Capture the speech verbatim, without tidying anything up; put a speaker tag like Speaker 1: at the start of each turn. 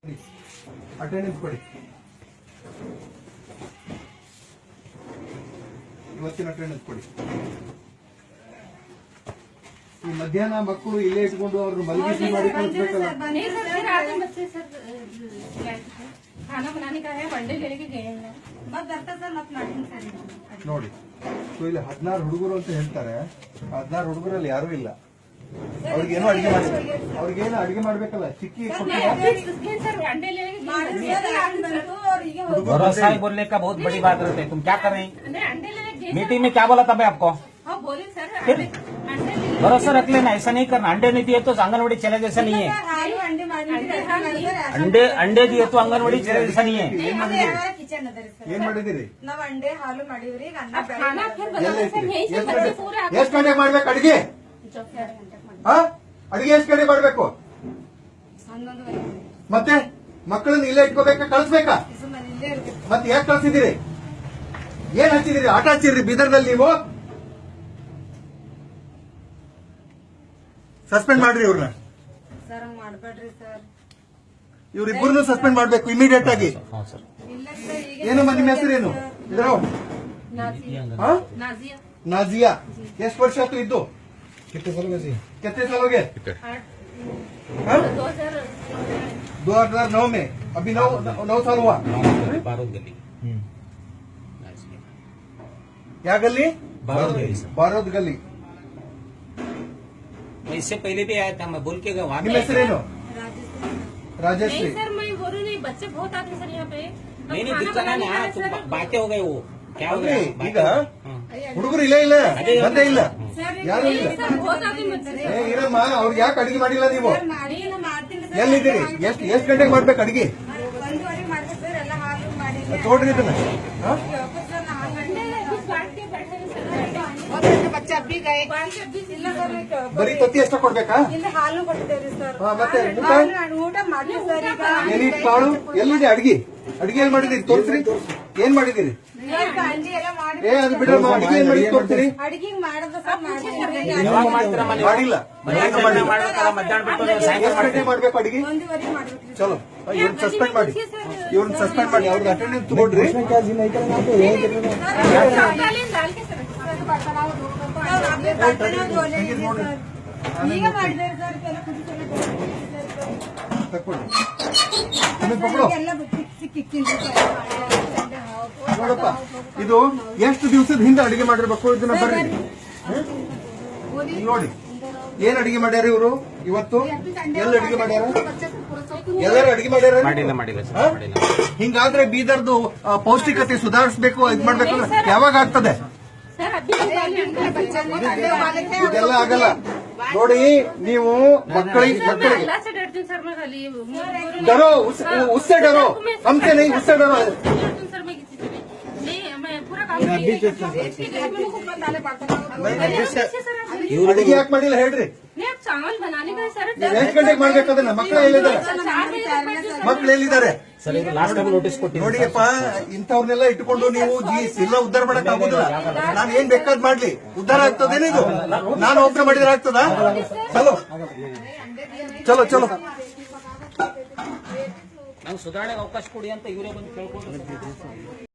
Speaker 1: Attendance ಕೊಡಿ. ಇವತ್ತಿನ attendance ಕೊಡಿ. ಈ ಮಧ್ಯಾಹ್ನ ಮಕ್ಕಳು ಇಲ್ಲೇ ಇಟ್ಕೊಂಡು ಅವ್ರನ್ನ ಮಲಗಿಸಿ ಮಾಡಿ ಕಳಿಸ್ಬೇಕಲ್ಲ. ನೋಡಿ, ಇಲ್ಲಿ ಹದಿನಾರು ಹುಡುಗರು ಅಂತ ಹೇಳ್ತಾರೆ. ಹದಿನಾರು ಹುಡುಗರಲ್ಲಿ ಯಾರು ಇಲ್ಲ. ಅವ್ರಿಗೇನು ಅಡಿಗೆ ಮಾಡಿ ಅವ್ರಿಗೇನು ಅಡಿಗೆ ಮಾಡ್ಬೇಕಲ್ಲ. ಚಿಕ್ಕಿ
Speaker 2: भरोसा ही बोलने का बहुत बड़ी बात रहती है. तुम क्या कर रहे हैं? मीटिंग में क्या बोला था मैं आपको? फिर भरोसा रख लेना, ऐसा नहीं करना. अंडे नहीं दिए तो आंगनबाड़ी चले जैसा नहीं है. अंडे अंडे दिए तो आंगनबाड़ी चले जैसा नहीं है.
Speaker 1: ಏನ್ ಮಾಡಿದಿರಿ?
Speaker 3: ನಾವ್ ಅಂಡೆ ಹಾಲು ಮಾಡಿವ್ರಿ.
Speaker 1: ಎಷ್ಟ್ ಗಂಟೆಗೆ ಮಾಡ್ಬೇಕು ಅಡಿಗೆ? ಅಡಿಗೆ ಎಷ್ಟ್ ಗಂಟೆ ಮಾಡ್ಬೇಕು? ಮತ್ತೆ ಮಕ್ಕಳನ್ನ ಇಲ್ಲೇ ಇಟ್ಕೋಬೇಕಾ ಕಳಿಸ್ಬೇಕಾ? ಮತ್ತೆ ಯಾಕೆ ಕಳ್ಸಿದಿರಿ? ಏನ್ ಹಚ್ಚಿದಿರಿ? ಆಟ ಹಚ್ಚಿದ್ರಿ ಬೀದರ್ದಲ್ಲಿ ನೀವು? ಸಸ್ಪೆಂಡ್ ಮಾಡ್ರಿ ಇವ್ರನ್ನ.
Speaker 3: ಸರ್ ಮಾಡ್ಬೇಡ್ರಿ ಸರ್.
Speaker 1: ಇವ್ರಿಬ್ಬರನ್ನು ಸಸ್ಪೆಂಡ್ ಮಾಡ್ಬೇಕು ಇಮಿಡಿಯೇಟ್ ಆಗಿ. ಏನಮ್ಮ ನಿಮ್ಮ ಹೆಸರೇನು? ನಾಜಿಯಾ. ಎಷ್ಟು ವರ್ಷ ಆಯ್ತು ಇದ್ದು? कितने साल हो गए? कितने साल हो गए? दो हजार नौ में. अभी नौ नौ साल हुआ.
Speaker 2: बारूद गली.
Speaker 1: क्या गली?
Speaker 2: बारूद गली.
Speaker 1: बारूद गली.
Speaker 2: मैं इससे पहले भी आया था. मैं बोल के गया वहाँ.
Speaker 1: ನಿಮ್ಮ ಹೆಸರೇನು? राजेश्री.
Speaker 4: नहीं सर, मैं बोल रही नहीं. बच्चे बहुत आते हैं सर यहाँ पे.
Speaker 2: नहीं नहीं दिक्कत है ना. तुम बातें हो गए. वो क्या हो गया?
Speaker 1: ಈಗ ಹುಡುಗರು ಇಲ್ಲೇ ಇಲ್ಲ, ಬಂದೇ ಇಲ್ಲ, ಯಾರು ಇಲ್ಲ. ಏ ಇರಮ್ಮ, ಅವ್ರಿಗೆ ಯಾಕೆ ಅಡಿಗೆ ಮಾಡಿಲ್ಲ ನೀವು? ಎಲ್ಲಿದ್ದೀರಿ? ಎಷ್ಟು ಎಷ್ಟು ಗಂಟೆಗೆ ಮಾಡ್ಬೇಕು ಅಡಿಗೆ? ನೋಡ್ರಿ ಇದನ್ನ. ಬರೀ ತತ್ತಿ ಎಷ್ಟು ಕೊಡ್ಬೇಕಾ?
Speaker 3: ಹಾಲು ಕೊಡ್ತೇವ್ರಿ ಸರ್.
Speaker 1: ಮತ್ತೆ
Speaker 3: ಊಟ ಮಾಡಿ ಸರ್. ಈಗ
Speaker 1: ಎಲ್ಲಿ ಕಾಳು ಎಲ್ಲಿದೆ? ಅಡಿಗೆ ಅಡಿಗೆ ಏನ್ ಮಾಡಿದಿರಿ? ತೋರಿಸ್ರಿ. ಏನ್ ಮಾಡಿದಿರಿ? ಏ ಅದು ಬಿಡ್ರಮ್ಮ, ಅಡಿಗೆ ಏನ್ ಮಾಡಿ ತೋರಿಸ್ರಿ.
Speaker 3: ಅಡಿಗೆ ಮಾಡೋದು ಸರ್
Speaker 1: ಮಾಡಿಲ್ಲ.
Speaker 2: ಮಧ್ಯಾಹ್ನ ಬಿಟ್ಟು
Speaker 1: ಎಷ್ಟು ಗಂಟೆ ಮಾಡ್ಬೇಕು ಅಡಿಗೆ?
Speaker 3: ಒಂದೂವರೆ ಮಾಡ್ಬೇಕು.
Speaker 1: ಚಲೋ, ಇವ್ರನ್ನ ಸಸ್ಪೆಂಡ್ ಮಾಡಿ. ಇವ್ರನ್ನ ಸಸ್ಪೆಂಡ್ ಮಾಡಿ. ಅವ್ರದ್ದು ಅಟೆಂಡೆನ್ಸ್ ತಗೊಂಡ್ರಿ.
Speaker 3: ಈಗ ಮಾಡಿದ್ದಾರೆ ಸರ್.
Speaker 1: ತಕ್ಕೊಳ್ಳಿ. ನಿಮಗೆ ಪಕ್ಕಡು. ನೋಡಪ್ಪ, ಇದು ಎಷ್ಟು ದಿವಸದ ಹಿಂದೆ ಅಡಿಗೆ ಮಾಡಿರ್ಬೇಕು ಇದನ್ನ. ಬರ್ರಿ ನೋಡಿ ಏನ್ ಅಡಿಗೆ ಮಾಡ್ಯಾರ ಇವರು ಇವತ್ತು. ಎಲ್ಲ ಅಡಿಗೆ ಮಾಡ್ಯಾರ? ಎಲ್ಲರೂ ಅಡಿಗೆ ಮಾಡ್ಯಾರ?
Speaker 2: ಮಾಡಿಲ್ಲ ಮಾಡಿಲ್ಲ
Speaker 1: ಹಿಂಗಾದ್ರೆ ಬೀದರ್ದು ಪೌಷ್ಟಿಕತೆ ಸುಧಾರಿಸಬೇಕು, ಇದ್ ಮಾಡ್ಬೇಕಂದ್ರೆ ಯಾವಾಗ ಆಗ್ತದೆ? ಇದೆಲ್ಲ ಆಗಲ್ಲ. ನೋಡಿ ನೀವು ಮಕ್ಕಳಿಗೆ ಮಕ್ಕಳಿಗೆ डरो, उससे डरो, हमसे नहीं, उससे डरो. ಅಡಿಗೆ ಯಾಕೆ ಮಾಡಿಲ್ಲ ಹೇಳ್ರಿ? ಎಷ್ಟು ಗಂಟೆಗೆ ಮಾಡ್ಬೇಕದನ್ನ? ಮಕ್ಕಳು ಎಲ್ಲಿದ್ದಾರೆ? ಮಕ್ಕಳು ಎಲ್ಲಿದ್ದಾರೆ?
Speaker 2: ಲಾಸ್ಟ್ ಟೈಮ್ ನೋಟಿಸ್ ಕೊಟ್ಟು
Speaker 1: ನೋಡಿಯಪ್ಪ, ಇಂಥವ್ರನ್ನೆಲ್ಲ ಇಟ್ಕೊಂಡು ನೀವು ಜಿ ಎಲ್ಲ ಉದ್ಧಾರ ಮಾಡಕ್ ಆಗುದಿಲ್ಲ. ನಾನು ಏನ್ ಬೇಕಾದ್ ಮಾಡ್ಲಿ, ಉದ್ಧಾರ ಆಗ್ತದೇನಿದು? ನಾನು ಒಬ್ಬ ಮಾಡಿದ್ರೆ ಆಗ್ತದ? ಚಲೋ ಚಲೋ ಚಲೋ.
Speaker 2: ನಂಗೆ ಸುಧಾರಣೆಗೆ ಅವಕಾಶ ಕೊಡಿ ಅಂತ ಇವರೇ ಬಂದು ಕೇಳ್ಕೊಂಡು